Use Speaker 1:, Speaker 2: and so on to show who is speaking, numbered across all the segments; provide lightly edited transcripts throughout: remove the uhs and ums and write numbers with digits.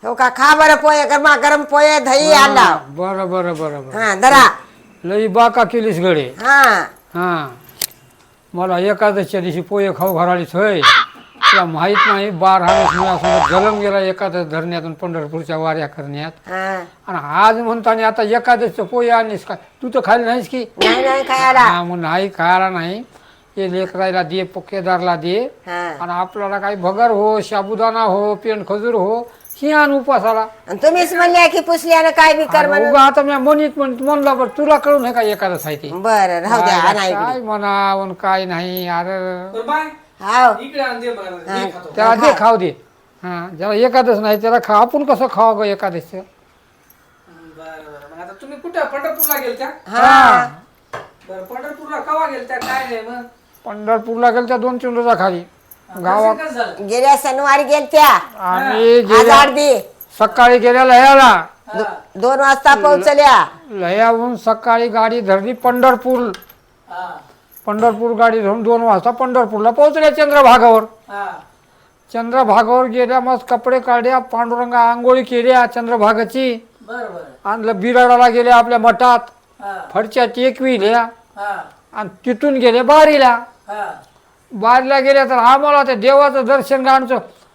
Speaker 1: हो का, खा बरं पोहे, गरमा गरम पोहे, दही आणला.
Speaker 2: बरं बरं बरं बरं.
Speaker 1: हा धरा.
Speaker 2: लई बाका केलीस गडे.
Speaker 1: हा
Speaker 2: हा मला एकादशीच्या दिवशी पोहे खाऊ घरालीच होय. तुला माहित नाही 12 महिन्यासोबत जलम गेला एकादश धरण्यातून पंढरपूरच्या वाऱ्या करण्यात.
Speaker 1: हा.
Speaker 2: आणि आज म्हणताना आता एकादशीचं पोहे आणलीस का? तू तर खायला नाहीस की?
Speaker 1: नाही नाही खायला.
Speaker 2: हा मग नाही खायला नाही. ते लेकरायला दे, केदारला दे.
Speaker 1: हा.
Speaker 2: आणि आपल्याला काही भगर हो, साबुदाणा हो, पेंड खजूर हो, ही आण उपासाला.
Speaker 1: आणि तुम्हीच म्हणले की पुसल्यानं काय बी कर म्हणून.
Speaker 2: उगा आता मी म्हणलं बरं तुला कळून आहे का एकादश आहे ते?
Speaker 1: बरं राहू द्या. आणा
Speaker 2: काय
Speaker 1: इकडे.
Speaker 2: म्हणावं काय नाही अरे.
Speaker 1: हाव.
Speaker 2: त्याला दे खाऊ दे. हा ज्याला एकादश नाही त्याला खा. आपण कसं खावा ग एकादश?
Speaker 3: आता तुम्ही कुठं पंढरपूरला गेलत्या?
Speaker 1: हा.
Speaker 3: बरं पंढरपूरला कवा गेलत्या? काय नाही मग
Speaker 2: पंढरपूरला गेल त्या 2-3 रोजाखाली गावात.
Speaker 3: कसं झालं?
Speaker 1: गेल्या शनिवारी गेलत्या.
Speaker 2: आम्ही
Speaker 1: आज
Speaker 2: गेल्या
Speaker 1: 8 दिवस.
Speaker 2: सकाळी गेल्या लह्याला.
Speaker 1: 2 वाजता पोहोचल्या.
Speaker 2: लह्याहून सकाळी गाडी धरली पंढरपूर.
Speaker 3: हा
Speaker 2: पंढरपूर गाडी धरून 2 वाजता पंढरपूरला पोहोचल्या चंद्रभागावर.
Speaker 3: हा
Speaker 2: चंद्रभागावर गेल्या मस्त कपडे काढल्या, पांडुरंगा आंघोळी केल्या चंद्रभागाची.
Speaker 3: बरं बरं
Speaker 2: आणलं बिराडाला गेल्या आपल्या मठात,
Speaker 3: हा
Speaker 2: फडच्या टेकविल्या
Speaker 3: हा
Speaker 2: आणि तिथून गेले बारीला.
Speaker 3: हा
Speaker 2: बारीला गेल्या तर आम्हाला ते देवाचं दर्शन घ्यायचं.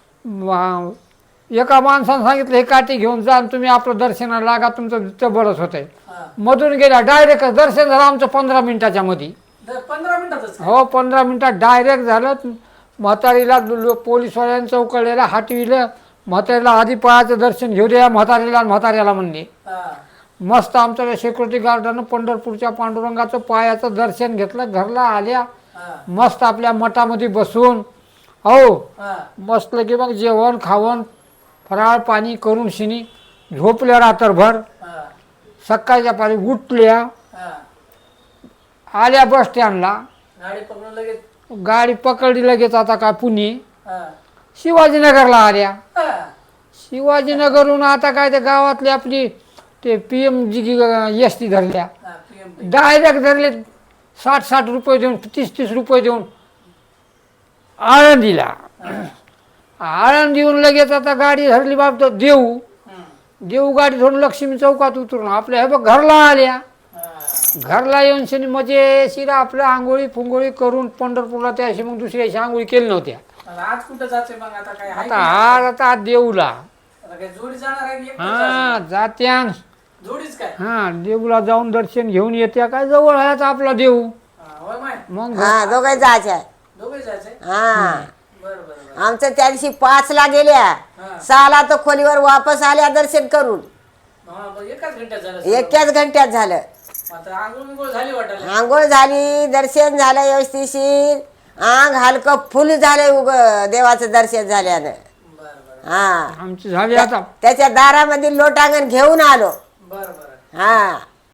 Speaker 2: एका माणसानं सांगितलं हे काठी घेऊन जा आणि तुम्ही आपलं दर्शनाला लागा, तुमचं बरंच होतंय.
Speaker 3: हा
Speaker 2: मधून गेल्या डायरेक्ट दर्शन झालं आमचं 15 मिनिटाच्या मध्ये.
Speaker 3: 15 मिनिटातच
Speaker 2: हो 15 मिनिटात डायरेक्ट झालं. म्हातारीला पोलीसवाल्यांनी चौकळलेला हटविलं. म्हातारीला आधी पायाचं दर्शन घेऊ द्या म्हातारीला. म्हाताऱ्याला म्हणले
Speaker 3: हा
Speaker 2: मस्त आमच्या सिक्युरिटी गार्डानं पंढरपूरच्या पांडुरंगाचं पायाचं दर्शन घेतलं. घरला आल्या
Speaker 3: हा
Speaker 2: मस्त आपल्या मठामध्ये बसून हो
Speaker 3: हा
Speaker 2: मस्त की मग जेवण खावण फराळ पाणी करून शिनी झोपल्या रात्रभर.
Speaker 3: हा
Speaker 2: सकाळच्या पारी उठल्या,
Speaker 3: हा
Speaker 2: आल्या बस स्टँडला.
Speaker 3: गाडी पकडून लगेच
Speaker 2: गाडी पकडली लगेच. आता काय पुणे
Speaker 3: हा
Speaker 2: शिवाजीनगरला आल्या.
Speaker 3: हा
Speaker 2: शिवाजीनगरहून आता काय ते गावातली आपली ते PMG एसटी धरल्या.
Speaker 3: हा PM
Speaker 2: डायरेक्ट धरले 60-60 रुपये देऊन 30-30 रुपये देऊन आळंदीला. आळंदीहून लगेच आता गाडी धरली बाप तर देऊ. देऊ गाडी धरून लक्ष्मी चौकात उतरून आपल्या हे बघ घरला आल्या. घरला येऊन शनी मजेशीर आपलं आंघोळी फुंगोळी करून पंढरपूरला त्या अशी मग दुसऱ्या अशी आंघोळी केली नव्हत्या.
Speaker 3: आज कुठं जाते मग? आता काय आहे
Speaker 2: आता
Speaker 3: का?
Speaker 2: आता देऊला
Speaker 3: आता काय जोडी जाणार आहे की एकटं
Speaker 2: हा
Speaker 3: जायचं?
Speaker 2: जात्यान.
Speaker 3: जोडीच काय?
Speaker 2: हा देऊला जाऊन दर्शन घेऊन येत्या. काय जवळ आहे आता आपला देऊ.
Speaker 3: हा, होय माय
Speaker 2: मग
Speaker 1: हा दोघे जायचे.
Speaker 3: दोघे जायचंय.
Speaker 1: हा.
Speaker 3: बरं बरं बरं
Speaker 1: आमचं त्या दिवशी 5ला गेल्या.
Speaker 3: हा
Speaker 1: 6ला तर खोलीवर वापस आल्या दर्शन करून.
Speaker 3: हा बरं एकाच घंट्यात झालं.
Speaker 1: एकाच घंट्यात झालं.
Speaker 3: आता आंघोळ बिंघोळ झाली वाटायला.
Speaker 1: आंघोळ झाली, दर्शन झालं व्यवस्थिशीर. अंग हलकं फुल झालं देवाचं दर्शन झाल्यानं.
Speaker 3: बरं बरं
Speaker 1: हा
Speaker 2: आमची झाली आता.
Speaker 1: त्याच्या दारामध्ये लोटांगण घेऊन आलो.
Speaker 3: बरं बरं
Speaker 1: हा